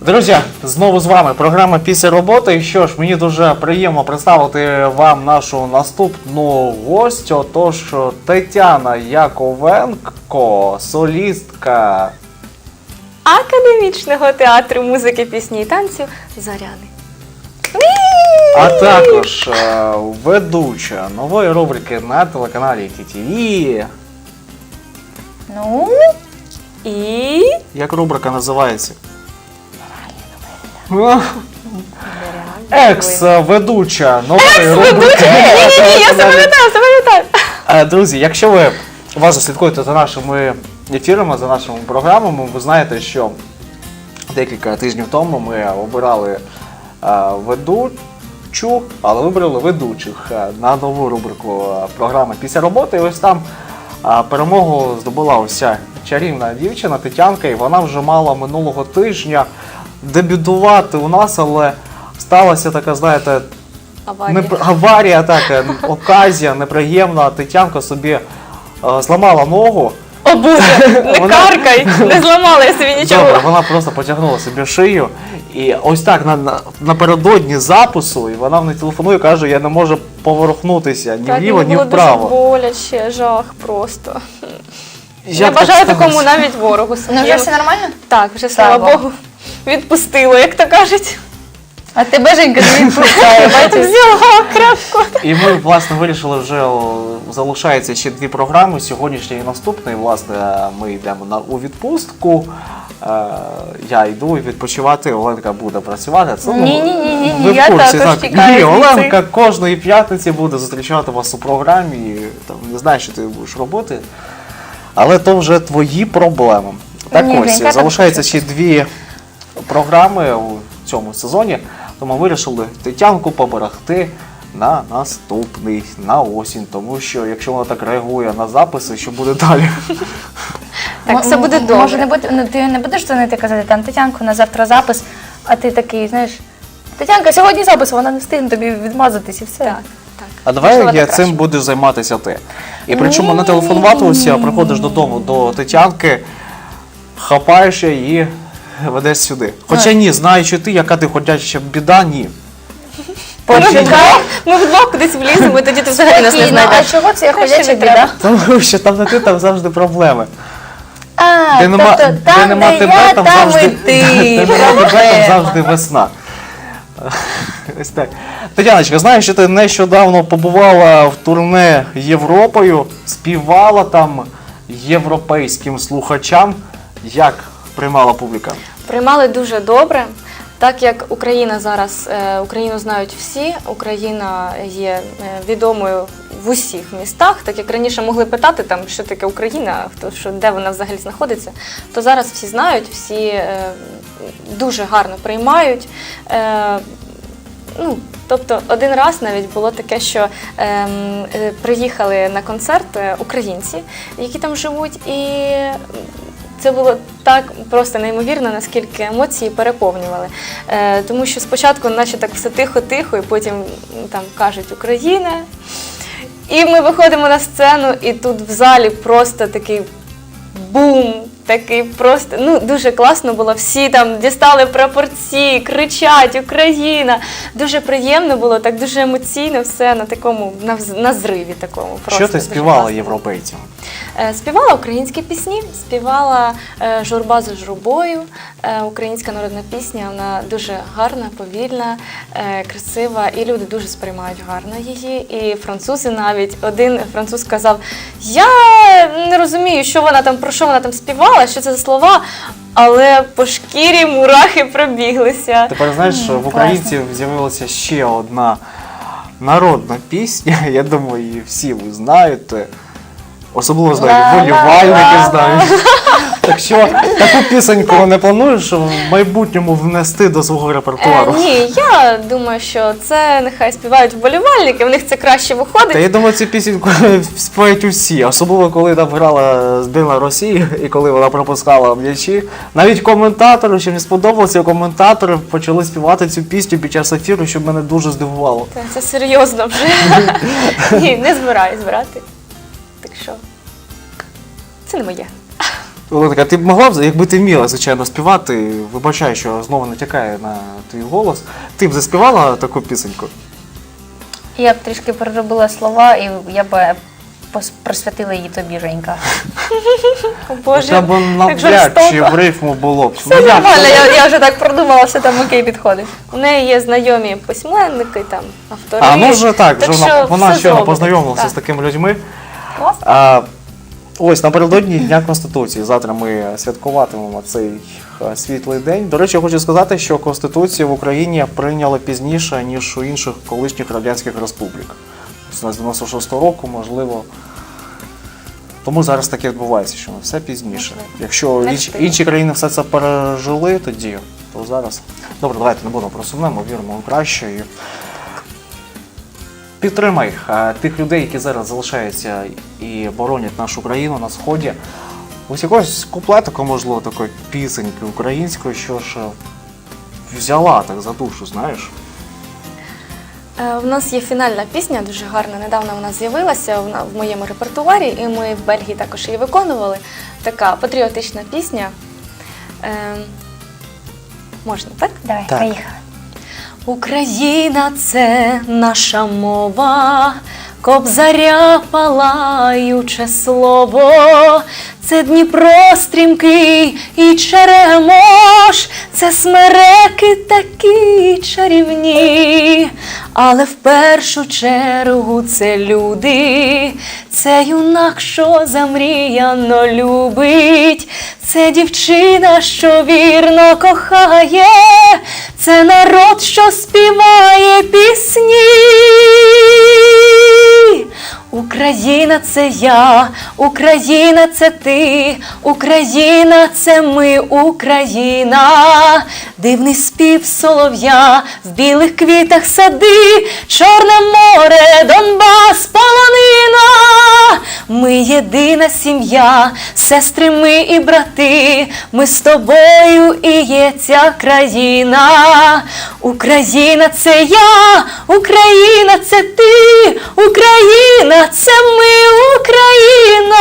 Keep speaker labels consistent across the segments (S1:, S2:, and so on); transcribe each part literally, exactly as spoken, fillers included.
S1: Друзі, знову з вами програма «Після роботи». І що ж, мені дуже приємно представити вам нашу наступну гостю. Тож Тетяна Яковенко, солістка
S2: Академічного театру музики, пісні і танців «Зоряни».
S1: А також е, ведуча нової рубрики на телеканалі Ті Ті Ві.
S2: Ну, і...
S1: Як рубрика називається? Екс-ведуча нової рубрики.
S2: Ні-ні-ні, я запам'ятаю, запам'ятаю.
S1: Е, Друзі, якщо ви уважно слідкуєте за нашими ефірами, за нашими програмами, ви знаєте, що декілька тижнів тому ми обирали е, ведучу, але вибрали ведучих е, на нову рубрику е, програми «Після роботи». І ось там е, перемогу здобула ось ця чарівна дівчина Тетянка, і вона вже мала минулого тижня дебютувати у нас, але сталася така, знаєте,
S2: Аварія.
S1: не, аварія, така, оказія неприємна. Тетянка собі е, зламала ногу.
S2: О Боже, не
S1: Вона-
S2: каркай, не зламала я собі нічого.
S1: Добре, вона просто потягнула собі шию. І ось так на, на, напередодні запису, і вона мені телефонує і каже, я не можу поворухнутися ні
S2: Так,
S1: вліво,
S2: мені
S1: ні
S2: було
S1: вправо.
S2: дуже боляче, жах просто.
S1: Як
S2: Не
S1: так
S2: бажаю
S1: сталося?
S2: такому навіть ворогу
S3: Ну
S2: своєму.
S3: вже все нормально?
S2: Так, вже, слава
S3: Слава
S2: Богу, відпустило, як то кажуть.
S3: А тебе Женька не відпускає, бачиш?
S2: Взяла крапку.
S1: І ми, власне, вирішили вже, о, залишається ще дві програми, сьогоднішня і наступна. І, власне, ми йдемо на, у відпустку. Е, я йду відпочивати, Оленка буде працювати. Це, ну,
S3: Ні-ні-ні,
S1: ви в
S3: я
S1: курсі,
S3: також
S1: так?
S3: чекаю
S1: Ні,
S3: звідси.
S1: Оленка кожної п'ятниці буде зустрічати вас у програмі. І, там, не знаю, що ти будеш робити, але то вже твої проблеми. Так
S3: Ні,
S1: ось,
S3: Женька, там
S1: залишається ще дві програми у цьому сезоні, тому вирішили Тетянку поберегти на наступний, на осінь, тому що якщо вона так реагує на записи, що буде далі?
S2: Так, все
S3: М-
S2: буде
S3: м-
S2: добре.
S3: Може, не буде, ну, ти не будеш дзвонити казати, там, Тетянку, на завтра запис, а ти такий, знаєш, Тетянка, сьогодні запис, вона не встигне тобі відмазатись і все.
S2: Так, так.
S1: А давай
S2: Можливо,
S1: я
S2: так
S1: цим
S2: краще.
S1: будеш займатися ти. І причому не телефонувати уся, приходиш додому до Тетянки, хапаєш її і ведеш сюди. Хоча ні, знаючи ти, яка ти ходяча біда, ні.
S2: Ми
S3: Почекай.
S2: вдвох, ми вдвох кудись вліземо, і тоді ти взагалі нас не
S3: Спокійно, а
S2: знайдеш.
S3: чого це я
S2: Краще
S3: ходяча
S2: не треба.
S3: біда?
S1: Тому що там не ти, там завжди проблеми.
S3: А,
S1: Де нема,
S3: тобто,
S1: де
S3: там,
S1: нема
S3: де
S1: тебе,
S3: я,
S1: там
S3: там
S1: завжди,
S3: і ти.
S1: де нема тебе, там
S3: Проблема.
S1: завжди весна. Ось так. Тетяночка, знаєш, що ти нещодавно побувала в турне Європою, співала там європейським слухачам. Як приймала публіка?
S2: Приймали дуже добре. Так як Україна зараз, е, Україну знають всі, Україна є е, відомою в усіх містах, так як раніше могли питати, там, що таке Україна, хто, що, де вона взагалі знаходиться, то зараз всі знають, всі е, дуже гарно приймають. Е, ну, тобто один раз навіть було таке, що е, е, приїхали на концерт е, українці, які там живуть, і це було так просто неймовірно, наскільки емоції переповнювали. Е, тому що спочатку наче так все тихо-тихо, і потім м, там кажуть «Україна». І ми виходимо на сцену, і тут в залі просто такий бум, такий просто, ну, дуже класно було. Всі там дістали прапорці, кричать «Україна». Дуже приємно було, так дуже емоційно все на такому, на, вз- на зриві такому. Просто
S1: Що ти
S2: дуже
S1: співала
S2: класно.
S1: європейцям?
S2: Е, Співала українські пісні, співала е, «Журба за журбою», е, українська народна пісня, вона дуже гарна, повільна, е, красива, і люди дуже сприймають гарно її. І французи навіть, один француз сказав, я не розумію, що вона там, про що вона там співала, що це за слова, але по шкірі мурахи пробіглися.
S1: Тепер знаєш, що в українців з'явилася ще одна народна пісня, я думаю, її всі ви знаєте. Особливо знають, болівальники знають. Так що таку пісеньку не плануєш в майбутньому внести до свого
S2: Е,
S1: репертуару?
S2: ні, я думаю, що це нехай співають вболівальники, в них це краще виходить.
S1: Та я думаю, цю пісеньку співають усі, особливо коли там грала збірна Росії і коли вона пропускала м'ячі. Навіть коментатори, що мені сподобалося, коментатори почали співати цю пісню під час ефіру, що мене дуже здивувало.
S2: Це, це серйозно вже. Ні, не збираюсь збирати. Так що, це не моє.
S1: Оленка, ти б могла б, якби ти вміла, звичайно, співати, вибачаю, що знову натякає на твій голос, ти б заспівала таку пісеньку?
S3: Я б трішки переробила слова, і я б пос- присвятила її тобі, Женька.
S2: О, Боже,
S1: Хоча б
S2: як
S1: навряд
S2: жорстоко.
S1: чи в рифму було б.
S3: Все
S1: Ну, як
S3: нормально,
S1: це?
S3: я, я вже так продумала, все там окей підходить.
S2: У неї є знайомі письменники, там, автори.
S1: А, ну вже так, вже вона,
S2: що
S1: вона
S2: все
S1: щойно
S2: зробить.
S1: познайомилася
S2: Так.
S1: з такими людьми.
S3: Класно.
S1: А, ось напередодні Дня Конституції. Завтра ми святкуватимемо цей е, світлий день. До речі, я хочу сказати, що Конституцію в Україні прийняли пізніше, ніж у інших колишніх радянських республік. З дев'яносто шостого року, можливо. Тому зараз таке відбувається, що все пізніше.
S2: Можливо.
S1: Якщо
S2: Не
S1: інші,
S2: встигли.
S1: інші країни все це пережили тоді, то зараз. Добре, давайте не будемо про сумне, ми віримо у краще. І... Підтримай е, тих людей, які зараз залишаються і боронять нашу країну на сході. Ось якогось куплетику, можливо, такої пісеньки української, що ж е, взяла так за душу, знаєш.
S2: Е, В нас є фінальна пісня, дуже гарна. Недавно вона з'явилася вона в моєму репертуарі, і ми в Бельгії також її виконували. Така патріотична пісня. Е, можна, так?
S3: Давай,
S1: Так.
S3: поїхали.
S2: Україна – це наша мова, Кобзаря палаюче слово, це Дніпро стрімкий і Черемош, це смереки такі чарівні, але в першу чергу це люди, це юнак, що замріяно любить, це дівчина, що вірно кохає, це народ, що співає пісні. Україна – це я, Україна – це ти, Україна – це ми, Україна. Дивний спів солов'я, в білих квітах сади, Чорне море, Донбас, полонина. Ми єдина сім'я, сестри ми і брати, ми з тобою і є ця країна. Україна – це я, Україна – це ти, Україна – це ми, Україна.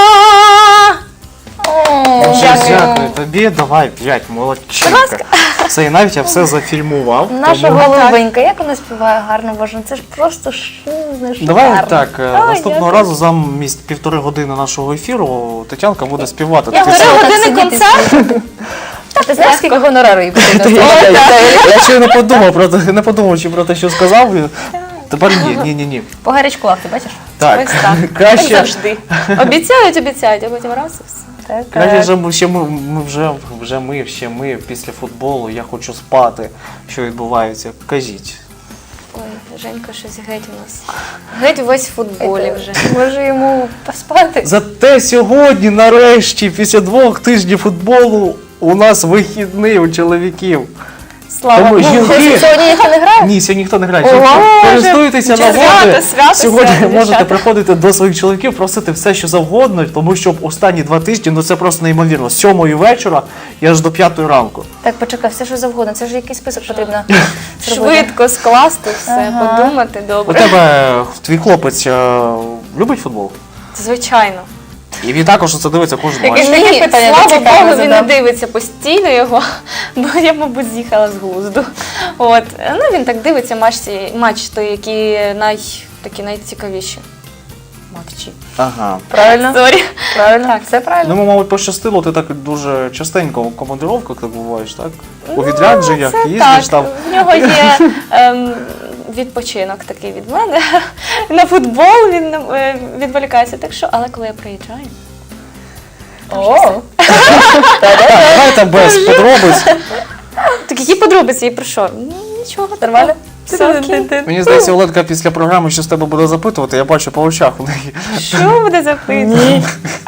S3: О,
S1: Дуже дякую тобі, давай п'ять, молодчинка. Все, і навіть я все зафільмував.
S3: Наша
S1: тому-
S3: голубенька, як вона співає гарно, Боже, це ж просто ш... ну, шикарно.
S1: Давай так, е,
S3: Ой,
S1: наступного
S3: дякую.
S1: разу замість півтори години нашого ефіру Тетянка буде співати.
S3: Я
S1: Ти
S3: говорила,
S1: все-
S3: так
S2: години
S3: сидіти,
S2: концерт?
S3: слухати. Ти знаєш, скільки гонорару їй потрібно?
S1: Я, я, я, я ще не подумав про те, не подумав, чи про те, що сказав. Тепер ні, ні, ні, ні.
S3: По гарячках, ти бачиш?
S1: Так,
S2: Ось так. Як
S1: краще,
S2: завжди. Обіцяють, обіцяють, а потім раз і все.
S3: Так,
S1: краще вже ми, ще ми, ми вже, вже ми, ще ми після футболу, я хочу спати. Що відбувається? Кажіть.
S2: Ой, Женька, щось геть у нас. Геть весь в футболі вже.
S3: Може йому поспати?
S1: Зате сьогодні, нарешті, після двох тижнів футболу, у нас вихідний у чоловіків.
S3: Слава
S1: Тому
S3: Богу.
S1: жінки-
S3: Сьогодні ніхто не грає?
S1: Ні, сьогодні ніхто не грає.
S3: Ого,
S1: Сьогодні користуйтеся
S2: свято,
S1: нагодою.
S2: свято,
S1: Сьогодні
S2: свято,
S1: можете
S2: дівчата.
S1: приходити до своїх чоловіків, просити все, що завгодно, тому що останні два тижні, ну це просто неймовірно. З сьомої вечора і аж до п'ятої ранку.
S3: Так, почекай, все що завгодно, це ж якийсь список потрібно зробити.
S2: Швидко скласти все,
S3: Ага.
S2: подумати
S1: У
S2: добре.
S1: тебе твій хлопець е, любить футбол?
S2: Звичайно.
S1: І він також це дивиться кожен
S3: Яке
S1: матч.
S3: ж таке
S2: Ні,
S3: питання
S2: слава
S3: цікаве
S2: Богу, він не
S3: задам.
S2: дивиться постійно його, бо я, мабуть, з'їхала з глузду. От. Ну, він так дивиться матчі, матч той, які най, такі найцікавіші. Матчі.
S1: Ага.
S3: Правильно?
S2: Сорі.
S3: Правильно, так, все правильно.
S1: Ну, мабуть, пощастило, ти так дуже частенько у командировках так буваєш, так? У відрядженнях
S2: Ну, Це
S1: їздиш
S2: так.
S1: там.
S2: В нього є ем, відпочинок такий від мене. На футбол він е, відволікається. Так що, але коли я приїжджаю,
S3: О,
S1: Давайте без подробиць.
S2: так які подробиці і про що? Ну, нічого,
S3: нормально?
S2: все окей.
S1: Мені здається, Оленка після програми що з тебе буде запитувати, я бачу по очах у неї.
S2: Що буде запитувати?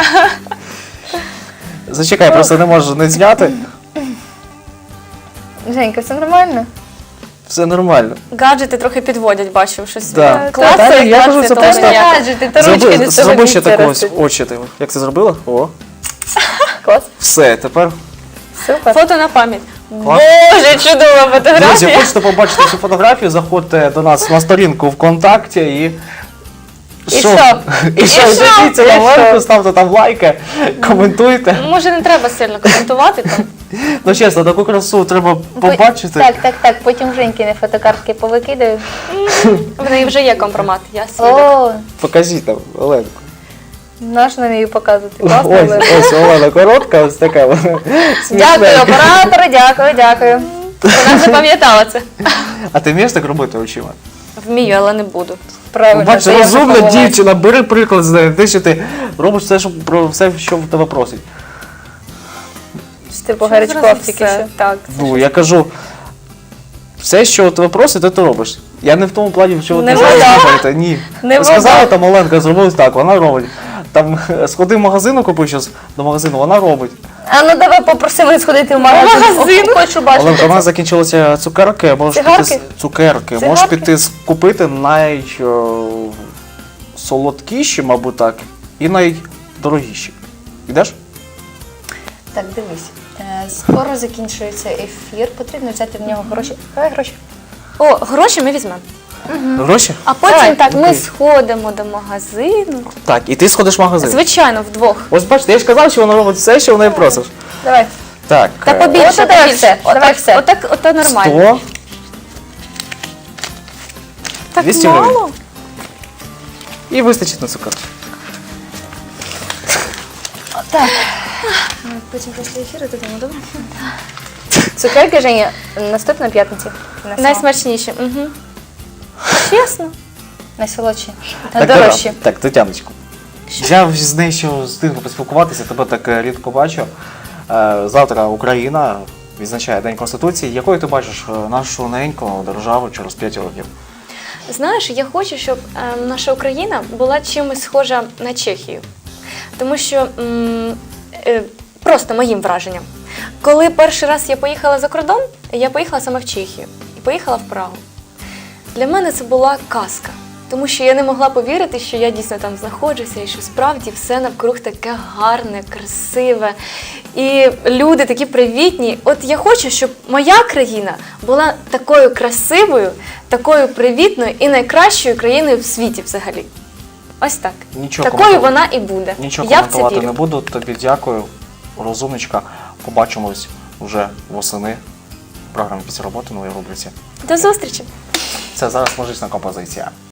S1: Зачекай, просто не можу не зняти.
S3: Женька, все нормально?
S1: Все нормально.
S2: Гаджети трохи підводять, бачу, щось.
S1: Да.
S2: е,
S1: Класно,
S2: клацають,
S1: я кажу,
S2: клацають,
S1: це
S2: того
S1: просто-
S2: ніяк.
S3: Гаджети, та ручки
S1: Зроби,
S3: не з того
S1: зроби ще
S3: місця
S1: так ось
S3: ростуть.
S1: очі. ти. Як ти зробила? О.
S3: Клас,
S1: Все, тепер.
S3: супер.
S2: Фото на пам'ять.
S1: Клас.
S2: Боже, чудова
S1: Друзі,
S2: фотографія.
S1: хочете побачити цю фотографію, заходьте до нас на сторінку ВКонтакті і
S3: І що?
S1: І що?
S3: що?
S1: Дивіться
S3: І
S1: на
S3: що?
S1: Оленку, ставте там лайки, коментуйте.
S2: Може, не треба сильно коментувати там.
S1: Ну чесно, таку красу треба побачити.
S3: Так, так, так. Потім Женькіни фотокартки повикидаю.
S2: В неї вже є компромат, я свідок.
S3: О,
S1: Покажіть там, Оленку.
S3: наш на неї показувати. Класно,
S1: Ось,
S3: Олена.
S1: ось Олена коротка, ось така. вона
S3: Дякую,
S1: смішненька.
S3: оператори, дякую, дякую.
S2: Вона запам'ятала це.
S1: А ти вмієш так робити очима?
S2: Вмію, але не буду.
S3: Правильно.
S1: Бачиш,
S3: це я
S1: розумна
S3: запам'ятала.
S1: дівчина, бери приклад з неї. Ти що ти робиш все, що, про все, що в тебе просить.
S3: Що ти погарячкував тільки
S2: Все,
S3: що.
S2: Так.
S1: Ну, я кажу, все, що тебе просить, то ти робиш. Я не в тому плані, що
S3: Не
S1: ти зараз
S3: вода.
S1: говорите. Ні.
S3: Не
S1: Сказала
S3: вода.
S1: там Оленка, зробила так, вона робить. Там сходи в магазин, купи щось до магазину, вона робить.
S3: А ну давай попросимо сходити в магазин.
S2: магазин?
S3: О, Хочу бачити.
S1: Оленка, у нас закінчилися цукерки, можеш піти
S3: Цигарки?
S1: з цукерки. Можеш
S3: Цигарки?
S1: піти з- купити найсолодкіші, мабуть так, і найдорогіші. Ідеш?
S3: Так, дивись. Е, Скоро закінчується ефір, потрібно взяти в нього гроші. Давай гроші.
S2: О, гроші ми візьмемо.
S1: Гроші?
S2: А потім
S3: Давай.
S2: так, ми
S1: Окей.
S2: сходимо до магазину.
S1: Так, і ти сходиш в магазин.
S2: Звичайно, вдвох.
S1: Ось бачите, я ж казав, що вона робить все, що в неї просиш.
S3: Давай.
S1: Так.
S2: Та
S1: е,
S2: побільше,
S3: От давай
S2: побільше.
S3: все, давай
S2: Отак,
S3: все.
S2: отак, ото нормально.
S1: сто.
S2: Так
S1: двісті
S2: мало?
S1: гривень. І вистачить на цукерки.
S3: Так.
S2: Потім після ефіру додому, добре?
S3: Цукерки, Женя, наступної п'ятниці. Найсмачніші.
S2: Найсмачніше. Угу. Чесно.
S3: Найсолодші.
S1: Так,
S3: Найдорожчі.
S1: Тетя- Так, Тетяночку. Я з нею ще встигну поспілкуватися, тебе так е, рідко бачу. Е, Завтра Україна відзначає День Конституції. Якою ти бачиш е, нашу неньку державу через п'ять років?
S2: Знаєш, я хочу, щоб е, наша Україна була чимось схожа на Чехію. Тому що м, е, просто моїм враженням. Коли перший раз я поїхала за кордон, я поїхала саме в Чехію і поїхала в Прагу. Для мене це була казка, тому що я не могла повірити, що я дійсно там знаходжуся і що справді все навкруг таке гарне, красиве. І люди такі привітні. От я хочу, щоб моя країна була такою красивою, такою привітною і найкращою країною в світі взагалі. Ось так.
S1: Нічого
S2: Такою
S1: коментувати-
S2: вона і буде.
S1: Нічого
S2: я в це
S1: коментувати
S2: вірю.
S1: не буду. Тобі дякую, розумничка. Побачимось вже восени в програмі «Після роботи» нової рубриці.
S2: До зустрічі!
S1: Це зараз музична композиція.